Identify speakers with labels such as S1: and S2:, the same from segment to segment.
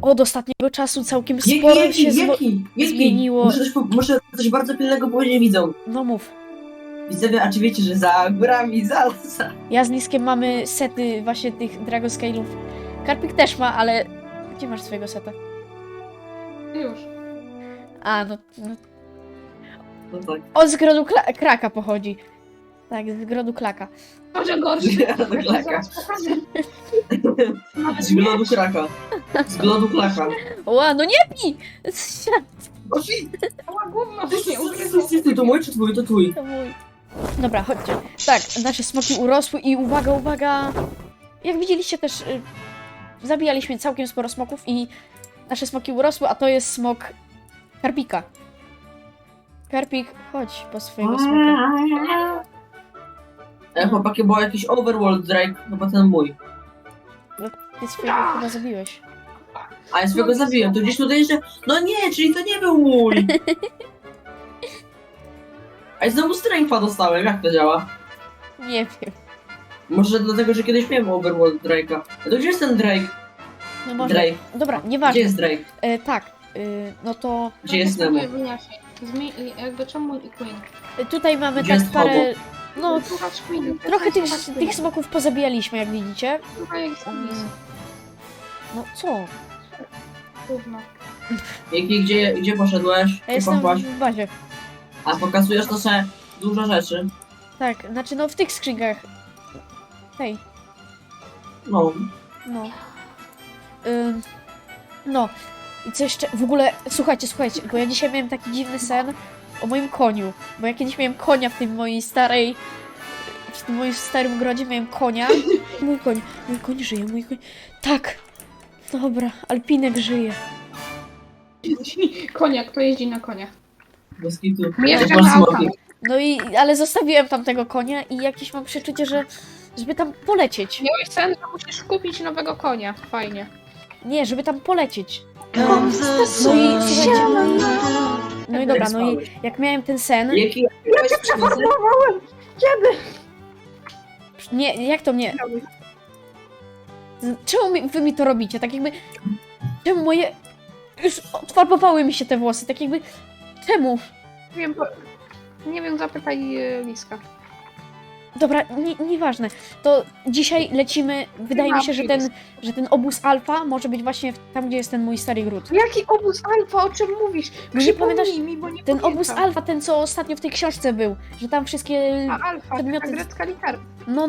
S1: od ostatniego czasu całkiem sporo się zmieniło.
S2: Muszę coś bardzo pilnego powiedzieć widzom.
S1: No mów.
S2: Widzowie, a czy wiecie, że za górami Zalsa?
S1: Ja z Liskiem mamy sety właśnie tych Dragon Scale'ów. Karpik też ma, ale... Gdzie masz swojego seta?
S3: Już.
S1: A, no...
S2: No tak.
S1: On z grodu kraka pochodzi. Tak, z grodu klaka.
S3: Może gorszy.
S2: Klaka.
S3: Zaraz pokażę. Nawet
S2: Z glodu kraka. Z glodu klaka.
S1: Ła, no nie pij!
S2: O shit!
S3: Cała gówno nie ugryzło.
S2: To mój czy twój? To twój.
S1: To mój. Dobra, chodźcie. Tak, nasze smoki urosły i uwaga, uwaga! Jak widzieliście też, zabijaliśmy całkiem sporo smoków i nasze smoki urosły, a to jest smok Karpika. Karpik, chodź po swojego smoka.
S2: Chłopaki, było jakiś overworld Drake, no bo ten mój.
S1: Ty swojego chyba zabiłeś.
S2: A ja swojego zabiłem, to gdzieś tutaj jeszcze... No nie, czyli to nie był mój! A i znowu strength'a dostałem, jak to działa?
S1: Nie wiem.
S2: Może dlatego, że kiedyś miałem overworld Drake'a. A to gdzie jest ten Drake?
S1: No może.
S2: Drake.
S1: Dobra,
S2: Gdzie
S1: nieważne.
S2: jest Drake?
S1: Tak, no to
S2: Gdzie jest Nemo?
S3: Jakby czemu i Queen?
S1: tutaj mamy
S2: Gdzie
S1: tak
S2: jest
S1: parę... No,
S3: Słuchać Queen.
S1: trochę tych smoków pozabijaliśmy, jak widzicie.
S3: Słuchaj, jak jest
S1: No co?
S3: gówno.
S2: Gdzie poszedłeś?
S1: Ja
S2: Gdzie
S1: jestem
S2: poszłaś?
S1: w bazie.
S2: A pokazujesz to sobie dużo rzeczy.
S1: Tak, znaczy no w tych skrzynkach. Hej,
S2: No.
S1: no. No. I co jeszcze? W ogóle, słuchajcie, bo ja dzisiaj miałem taki dziwny sen o moim koniu. Bo ja kiedyś miałem konia w tym moim starym grodzie miałem konia. Mój koń żyje, mój koń. Tak. Dobra, Alpinek żyje.
S3: Konia, kto jeździ na koniach?
S2: Bez kitu.
S3: Mieszka
S2: Masz
S3: na
S2: smoki.
S3: autach.
S1: No i, ale zostawiłem tam tego konia i jakieś mam przeczucie, żeby tam polecieć.
S3: Miałeś sen, że musisz kupić nowego konia. Fajnie.
S1: Nie, żeby tam polecieć. No i słuchajcie, no i dobra, no i jak miałem ten sen...
S2: Jaki
S3: Kiedy?
S1: Nie, jak to mnie... Czemu wy mi to robicie? Tak jakby... Czemu moje... Już odfarbowały mi się te włosy, tak jakby... Czemu?
S3: Nie wiem, zapytaj Liska.
S1: Dobra, nieważne. To dzisiaj lecimy... Wydaje mi się, że ten obóz alfa może być właśnie tam, gdzie jest ten mój stary gród.
S3: Jaki obóz alfa? O czym mówisz?
S1: No nie pamiętasz?
S3: Przypomnij mi, bo nie
S1: Ten
S3: pamiętam.
S1: obóz alfa, ten co ostatnio w tej książce był. Że tam wszystkie...
S3: A alfa,
S1: Przedmioty-
S3: taka grecka litera.
S1: No.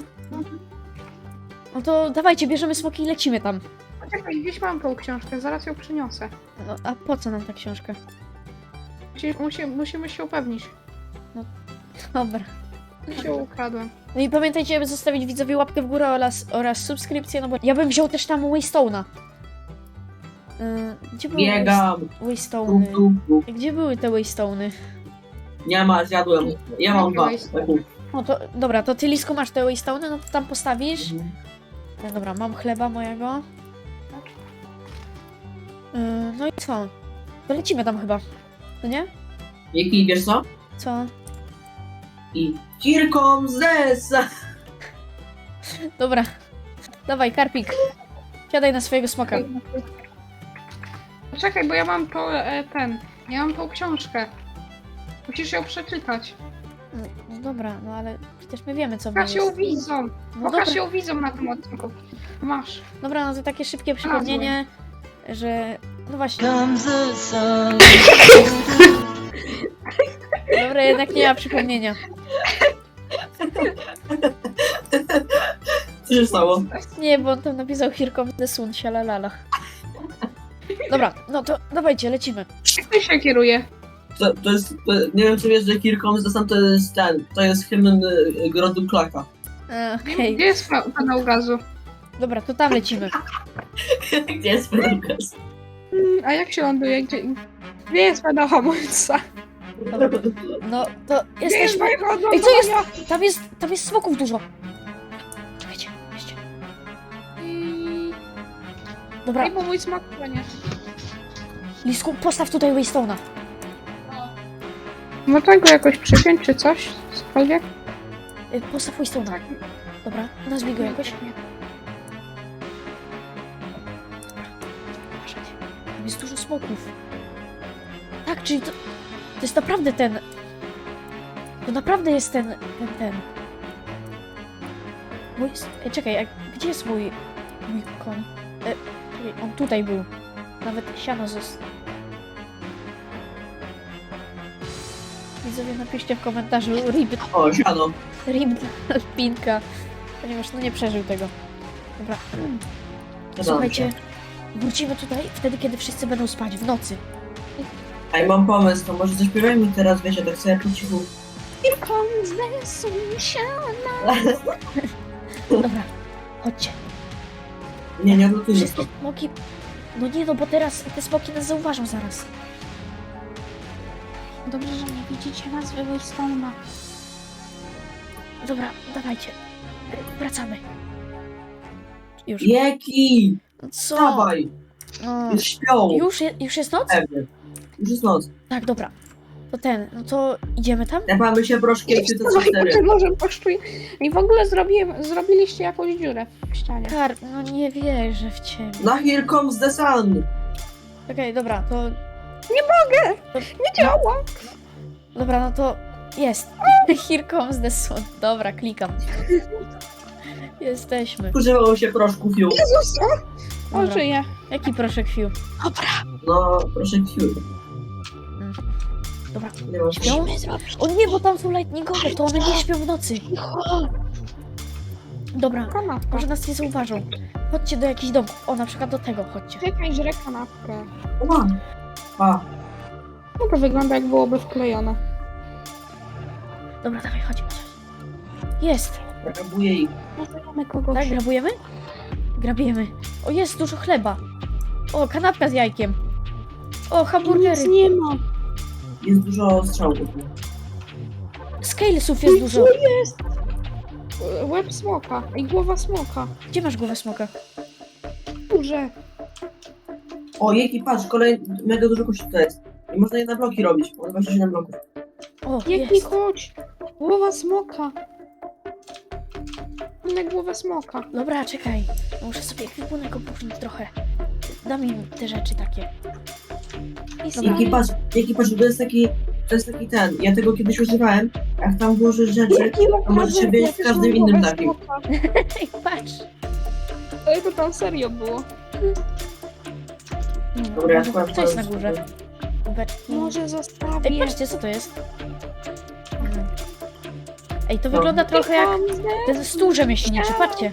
S1: No to dawajcie, bierzemy smoki i lecimy tam.
S3: Poczekaj, gdzieś mam tą książkę, zaraz ją przyniosę.
S1: No, a po co nam ta książka?
S3: Musimy się upewnić.
S1: Dobra.
S3: Się ukradłem.
S1: No i pamiętajcie, aby zostawić widzowie łapkę w górę oraz subskrypcję, no bo ja bym wziął też tam Waystone'a. Gdzie były
S2: biegam.
S1: Waystone'y? Gdzie były te Waystone'y?
S2: Nie ma, zjadłem. Ja mam dwa.
S1: No to, dobra, to ty Lisko masz te Waystone'y, no to tam postawisz. No dobra, mam chleba mojego. No i co? To lecimy tam chyba. No nie?
S2: Jaki, wiesz co?
S1: Co?
S2: I Kirkom Zesa.
S1: Dobra. Dawaj, Karpik. Siadaj na swojego smoka.
S3: Poczekaj, bo ja mam ja mam tą książkę. Musisz ją przeczytać.
S1: No dobra, no ale przecież my wiemy, co
S3: Pokaż
S1: jest.
S3: ją widzom.
S1: No
S3: Pokaż
S1: dobra.
S3: ją widzom na tym odcinku. Masz.
S1: Dobra, no to takie szybkie przypomnienie, że... No właśnie. Dobra, jednak nie ma przypomnienia.
S2: Co się stało?
S1: Nie, bo on tam napisał Here comes the sun, sialalala. Dobra, no to dawajcie, lecimy.
S3: Jak ty się kieruje?
S2: Nie wiem, czy wiesz, że Kirkom Zesa to jest hymn grodu klaka.
S1: Okej,
S3: Gdzie jest panał gazu?
S1: dobra, to tam lecimy.
S2: Gdzie jest Fedorkas?
S3: A jak się ląduje? Gdzie jest panał hamulca?
S1: No, to
S3: Gdzie jest
S1: jesteśmy...
S3: mojego
S1: Ej, co jest?
S3: odlądowania?
S1: Tam jest smoków dużo. Czekajcie, weźcie. Dobra,
S3: Ej, bo mój smak nie.
S1: Lisku, postaw tutaj Waystone'a.
S3: Można go jakoś przypiąć czy coś? Cokolwiek?
S1: Postaw Waystone'a. Dobra, nazwij go jakoś. Uważaj. jest dużo smoków. Tak, czyli to jest naprawdę ten... To naprawdę jest ten... Mój... Ej, czekaj, gdzie jest mój koń? Czekaj, on tutaj był. Nawet siano zostało. Widzowie, napiszcie w komentarzu RIP
S2: O, siano.
S1: dla Pinka, ponieważ no nie przeżył tego. Dobra.
S2: Zgadzam
S1: Słuchajcie,
S2: się.
S1: wrócimy tutaj wtedy, kiedy wszyscy będą spać, w nocy.
S2: Ej, mam pomysł, to może zaśpiewajmy teraz, wiecie, tak sobie po cichu.
S1: Here comes the sunshine. Dobra, chodźcie.
S2: Nie odlotujmy
S1: Wszystkie
S2: to.
S1: smoki... No nie no, bo teraz te smoki nas zauważą zaraz.
S3: Dobrze, że nie widzicie nazwy Waystone'a.
S1: Dobra, dawajcie. Wracamy. Już.
S2: Jeki!
S1: Co?
S2: Dawaj!
S1: O,
S2: Już śpią!
S1: już jest noc?
S2: Pewnie. Już jest noc.
S1: Tak, dobra. To no to idziemy tam?
S2: Tepamy się proszkiem, czy to co cztery.
S3: Może poszczuj. I w ogóle zrobiliście jakąś dziurę w ścianie.
S1: Kar, no nie wierzę w ciebie.
S2: No here comes the sun!
S1: Okej, dobra, to...
S3: Nie mogę!
S1: To,
S3: Nie działa!
S1: dobra, no to jest. Here comes the sun. Dobra, klikam. Jesteśmy.
S2: Używało się proszku Fiu.
S3: Jezus! O,
S1: Dobra.
S3: żyje.
S1: Jaki proszek Fiu?
S2: No, proszek Fiu.
S1: Dobra.
S2: Nie masz.
S1: Śpią? O nie, bo tam są lightningowe, to one nie śpią w nocy. Dobra,
S3: Kanapka.
S1: może nas nie zauważą. Chodźcie do jakichś domków. O, na przykład do tego chodźcie.
S3: Czekaj, żre kanapkę.
S2: Ła. A,
S3: No to wygląda, jak byłoby wklejone.
S1: Dobra, dawaj, chodź. Jest.
S2: grabuję ich.
S3: Nazywamy kogoś.
S1: Tak, grabujemy? Grabiemy. O, jest dużo chleba. O, kanapka z jajkiem. O, hamburgery.
S3: Nic nie ma.
S2: Jest dużo strzałków.
S1: Scalesów jest dużo.
S3: Co jest? Łeb smoka i głowa smoka.
S1: Gdzie masz głowę smoka?
S3: Duże.
S2: O, Jeki, patrz, mega dużo kości to jest. I można je na bloki robić. Mam 27 bloków.
S1: O,
S3: Jaki
S1: jest.
S3: chodź. Głowa smoka. Na głowę smoka.
S1: Dobra, czekaj. Muszę sobie ekwipunek opuścić trochę. Dam im te rzeczy takie.
S3: I
S1: Dobra.
S2: Jeki, patrz, to jest taki ten. Ja tego kiedyś używałem. Jak tam włożysz rzeczy, to możecie być w każdym innym takim.
S1: Ej, patrz.
S3: Ale to tam serio było.
S2: Dobra, ja
S1: Może- Co jest na górze? Kubeczki.
S3: Może zostawię.
S1: Ej, patrzcie, co to jest? Ej, to wygląda trochę jak ten stół rzemieślniczy, patrzcie.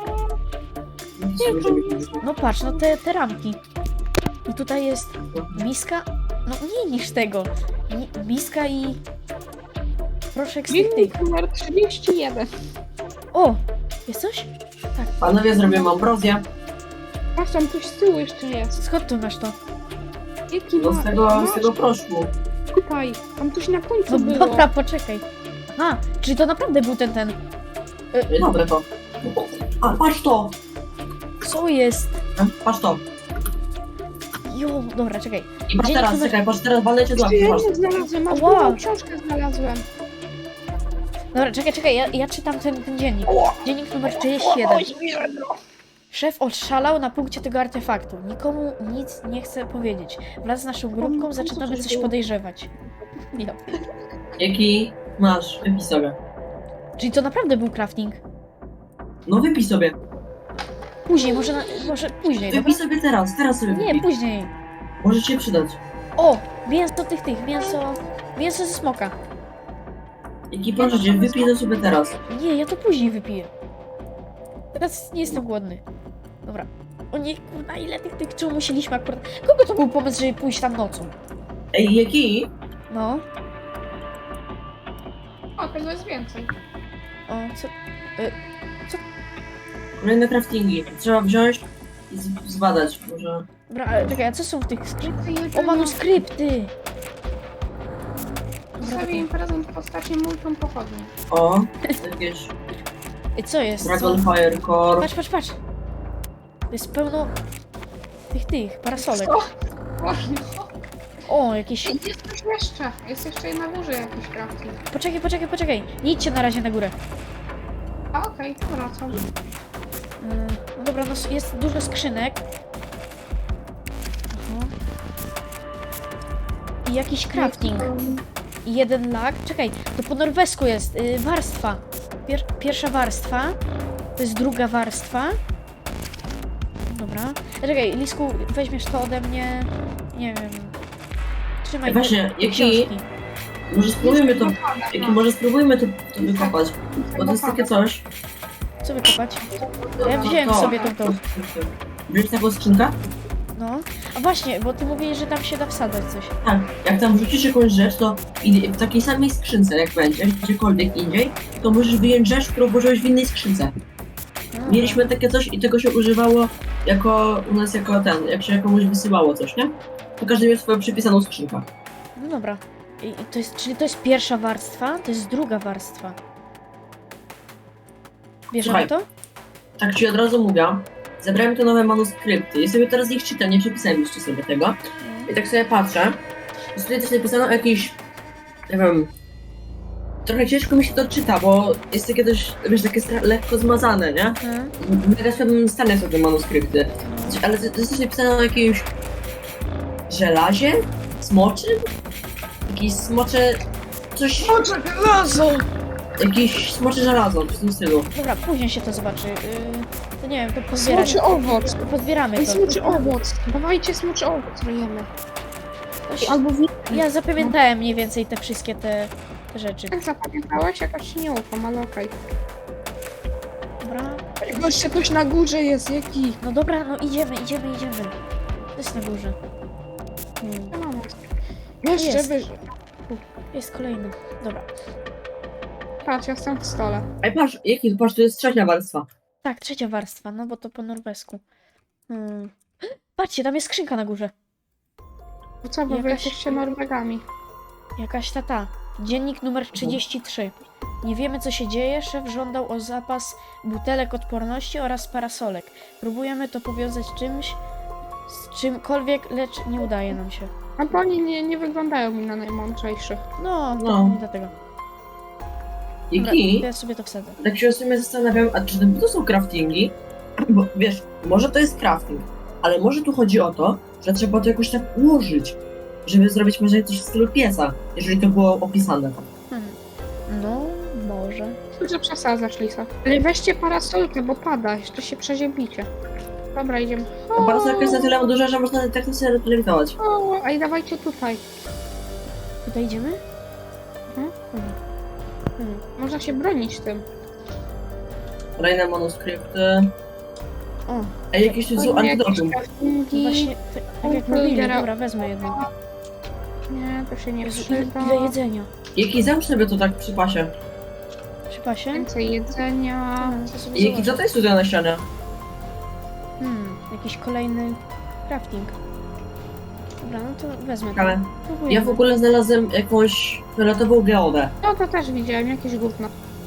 S1: No patrz, no te ramki. I tutaj jest miska, no mniej niż tego. Miska i proszek z tych.
S3: Dziennik numer 31.
S1: O, jest coś?
S2: Panowie, zrobię ambrozję.
S3: Patrz, tam coś z tyłu jeszcze jest.
S1: Skąd tu masz to?
S3: Jaki
S2: No z tego proszku.
S3: Tutaj, tam coś na końcu
S1: No
S3: było.
S1: dobra, poczekaj. Aha, czyli to naprawdę był ten.
S2: Dobre to. A, patrz to!
S1: Co jest?
S2: Patrz to.
S1: Jo, dobra, czekaj.
S2: I patrz
S1: Dzień
S2: teraz,
S1: dobry.
S2: czekaj, patrz teraz, walę cię do łapki,
S3: Ja
S2: patrz.
S3: nie znalazłem, masz
S1: Wow.
S3: wow. Książkę znalazłem.
S1: Dobra, czekaj, ja czytam ten dziennik. Dziennik numer 37. Szef oszalał na punkcie tego artefaktu. Nikomu nic nie chce powiedzieć. Wraz z naszą grupką zaczynamy coś podejrzewać. Ja.
S2: Jaki masz? Wypij sobie.
S1: Czyli to naprawdę był crafting.
S2: No wypij sobie.
S1: Później, może później, dobra?
S2: Wypij sobie teraz sobie
S1: Nie,
S2: wypij.
S1: później.
S2: Może ci się przydać.
S1: O, mięso mięso ze smoka.
S2: Jaki proszę cię, wypij to sobie teraz.
S1: Nie, ja to później wypiję. Teraz nie jestem głodny. Dobra. O nie, kurna, ile tych czemu musieliśmy akurat... Kogo to był pomysł, żeby pójść tam nocą?
S2: Ej, Jaki?
S1: No.
S3: O, tego jest więcej.
S1: O, co...
S2: Kolejne craftingi. Trzeba wziąć i zbadać. Może...
S1: Dobra, ale czekaj, a co są w tych skryptach? O,
S3: O,
S1: manuskrypty! Dobra,
S3: Zostawię
S1: czekaj.
S3: im prezent w postaci multum pochodni.
S2: O, jakieś
S1: Ej, co jest? Co?
S2: Dragonfire Core.
S1: Patrz. To jest pełno... tych parasolek.
S3: Co?
S1: O, jakieś...
S3: Jest coś jeszcze. Jest jeszcze na górze jakiś crafting.
S1: Poczekaj. Nie idźcie na razie na górę.
S3: A okej, wracam.
S1: No dobra, no jest dużo skrzynek. Aha. i jakiś crafting. I jeden lag. Czekaj, to po norwesku jest warstwa. Pierwsza warstwa. To jest druga warstwa. Dobra. Czekaj, Lisku, weźmiesz to ode mnie. Nie wiem. Trzymaj
S2: Właśnie,
S1: te
S2: jaki-
S1: książki.
S2: Może spróbujmy to wykopać. Bo to jest takie coś.
S1: Co wykopać? Ja wziąłem sobie tą.
S2: Wziąć taką skrzynkę?
S1: No. A właśnie, bo ty mówiłeś, że tam się da wsadzać coś.
S2: Tak. Jak tam wrzucisz jakąś rzecz, to w takiej samej skrzynce jak będzie, gdziekolwiek indziej, to możesz wyjąć rzecz, którą włożyłeś w innej skrzynce.
S1: No.
S2: Mieliśmy takie coś i tego się używało u nas jako jak się komuś wysyłało coś, nie? To każdy miał swoją przypisaną skrzynkę.
S1: No dobra. Czyli to jest pierwsza warstwa, to jest druga warstwa. Bierzemy
S2: Słuchaj.
S1: to?
S2: Tak ci od razu mówię, zebrałem te nowe manuskrypty i sobie teraz ich czytam, nie przepisałem jeszcze sobie tego. I tak sobie patrzę, i tutaj też napisano jakieś, nie wiem, trochę ciężko mi się to czyta, bo jest takie też, wiesz, takie lekko zmazane, nie?
S1: Mhm.
S2: W mega słabym stanie są te manuskrypty. Ale to jest też napisane o jakimś żelazie? Smoczym? Jakieś smocze... coś... Jakieś smocze żelazo, w tym stylu.
S1: Dobra, później się to zobaczy. To nie wiem, to pozbieramy.
S3: Smoczy owoc.
S1: Pozbieramy
S3: Ej,
S1: to.
S3: smoczy owoc. Dawajcie smoczy owoc, ryjemy. Albo
S1: Ja zapamiętałem mniej więcej te wszystkie te rzeczy.
S3: Jak zapamiętałeś? Jakaś nie ufam, ale okej.
S1: Dobra.
S3: Jeszcze ktoś na górze jest, jaki?
S1: No dobra, no idziemy. To jest na górze.
S3: Jeszcze
S1: Jest.
S3: wyżej.
S1: Jest kolejny. Dobra.
S3: Patrz, ja jestem w stole.
S2: Ej, patrz, tu jest trzecia warstwa.
S1: Tak, trzecia warstwa, no bo to po norwesku. Patrzcie, tam jest skrzynka na górze.
S3: To co, bo wy
S1: Jakaś-
S3: jesteście Norwegami.
S1: Jakaś ta. Dziennik numer 33. Nie wiemy, co się dzieje. Szef żądał o zapas butelek odporności oraz parasolek. Próbujemy to powiązać z czymkolwiek, lecz nie udaje nam się.
S3: A bo oni nie wyglądają mi na najmądrzejszych.
S1: No, to
S2: No.
S1: nie dlatego. Dobra,
S2: Iki,
S1: to ja sobie to wsadzę.
S2: tak się w sumie zastanawiam, a czy to są craftingi? Bo wiesz, może to jest crafting, ale może tu chodzi o to, że trzeba to jakoś tak ułożyć, żeby zrobić może coś w stylu piesa, jeżeli to było opisane.
S1: No, może.
S3: Dużo przesadzasz, Lisa. Ale weźcie parasolkę, bo pada, jeszcze się przeziębicie. Dobra, idziemy.
S2: A parasolka jest na tyle duża, że można tak to sobie lewitować.
S3: O, a i dawajcie tutaj.
S1: Tutaj idziemy?
S3: Mhm.
S1: Hmm.
S3: Można się bronić tym.
S2: Kolejne manuskrypty.
S1: O,
S2: Ej, jakieś tu są antidotum.
S1: właśnie, tak jak mówili, dobra, wezmę jedno.
S3: Nie, to się nie
S1: Jezu,
S3: przyda.
S1: ile jedzenia.
S2: Jaki załóż sobie to tak przy pasie.
S1: Przy pasie?
S3: Więcej jedzenia.
S1: To sobie
S2: I jaki
S1: zobaczę.
S2: co to jest tutaj na ścianie?
S1: Jakiś kolejny crafting. Dobra, no to wezmę to.
S2: Ale
S1: Próbujemy.
S2: ja w ogóle znalazłem jakąś fioletową geodę.
S3: No to też widziałem, jakieś gówno.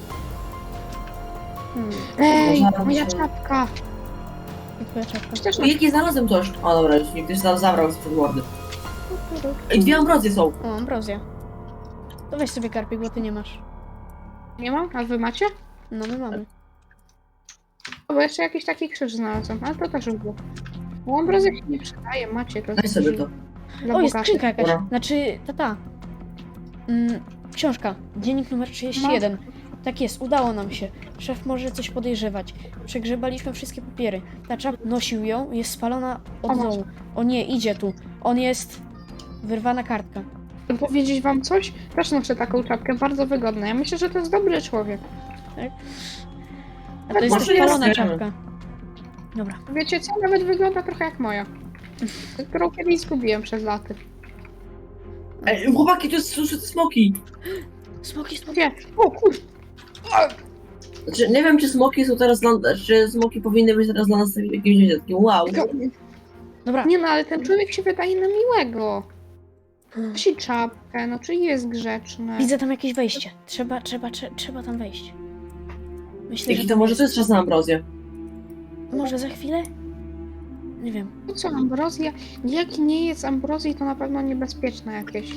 S1: Hmm,
S3: Ej,
S2: Można
S3: moja
S2: robić-
S3: czapka.
S1: i twoja czapka.
S3: Przecież
S2: Jaki znalazłem coś? O dobra, już mi ktoś zabrał z mordy. Ej, dwie ambrozje są.
S1: O, ambrozja. To weź sobie karpik, bo ty nie masz.
S3: nie mam, a wy macie?
S1: No, my mamy.
S3: O, bo jeszcze jakiś taki krzyż znalazłem, ale to też było. Bo ambrozja się nie przydaje, macie to.
S2: Daj sobie to.
S3: Dla
S1: O, jest
S3: bogatych.
S1: skrzynka jakaś.
S2: Dobra.
S1: Znaczy, ta. Książka. Dziennik numer 31. Tak jest, udało nam się. Szef może coś podejrzewać. Przegrzebaliśmy wszystkie papiery. Ta czapka nosił ją, jest spalona od
S3: O, masz.
S1: dołu. O nie, idzie tu. On jest... Wyrwana kartka.
S3: Powiedzieć wam coś? Też noszę taką czapkę, bardzo wygodna. Ja myślę, że to jest dobry człowiek.
S1: A to jest
S2: Może
S1: też spalona
S2: jest.
S1: czapka. Dobra.
S3: Wiecie co? Nawet wygląda trochę jak moja. Którą kiedyś zgubiłem przez laty.
S2: Ej, chłopaki, to są smoki.
S1: Smoki.
S3: Gdzie? O kur...
S2: Znaczy, nie wiem, czy smoki są teraz czy smoki powinny być teraz dla nas jakimś takim wow.
S1: Dobra.
S3: Nie no, ale ten człowiek się wydaje na miłego. Nosi czapkę, no czy jest grzeczny.
S1: Widzę tam jakieś wejście. Trzeba tam wejść. Myślę,
S2: Jaki
S1: że
S2: to może to jest czas na ambrozję?
S1: Może za chwilę? Nie wiem.
S3: No co, ambrozja? Jak nie jest ambrozji, to na pewno niebezpieczne jakieś.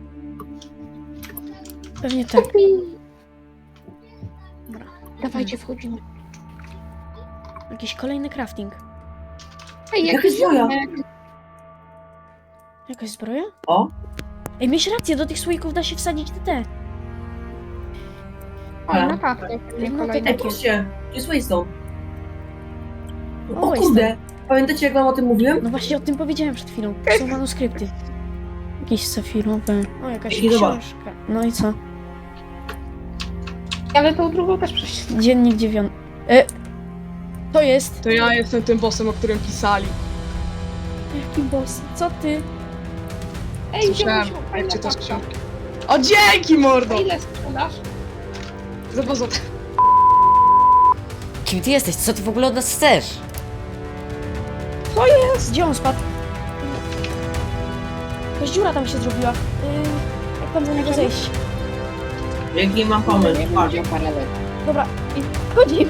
S1: Pewnie tak. Dobra.
S3: Dawajcie, wchodzimy.
S1: Jakiś kolejny crafting.
S3: Ej,
S2: Jaka
S3: jakiś
S2: zbroja?
S3: ziomek.
S1: Jakaś zbroja?
S2: O,
S1: Ej, miałeś rację, do tych słoików da się wsadzić te.
S3: O,
S2: Ale-
S3: na kartę. pewnie
S1: No to
S3: kolejne.
S2: Ej, patrzcie, tu jest Waystone.
S1: O,
S2: O kurde, pamiętacie jak wam o tym mówiłem?
S1: No właśnie o tym powiedziałem przed chwilą. Są manuskrypty. Jakieś safirowe. O, jakaś
S2: I zobacz.
S1: książka. No i co?
S3: Ale tą drugą też przeczytałam.
S1: Dziennik 9. To jest...
S4: To ja jestem tym bossem, o którym pisali.
S1: Jaki boss? Co ty?
S3: Ej,
S4: Słyszałem,
S3: wziąłeś
S4: jak czytasz
S3: karta.
S4: książki. O, dzięki, mordo!
S3: A ile sprzedasz?
S4: Za 2 złote.
S5: Kim ty jesteś? Co ty w ogóle od nas chcesz?
S1: Gdzie on spadł? Jakaś dziura tam się zrobiła. Jak tam za niego zejść?
S2: Jaki mam pomysł,
S3: Nie
S2: patrz.
S3: wiem, parę lat.
S1: Dobra, i chodzimy.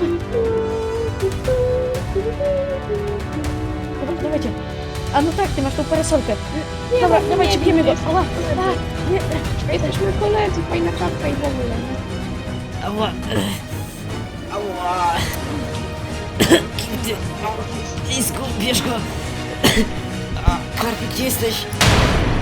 S1: Dobra, dawajcie. A no tak, ty masz tą parasolkę. Dobra,
S3: no,
S1: dawajcie,
S3: nie,
S1: bijemy go.
S3: nie,
S1: Ała, nie.
S3: Jesteśmy koledzy, fajna czapka i w ogóle.
S5: Ała. Ała. Kim ty? Lisku, bierz go. A, Karpik, gdzie jesteś?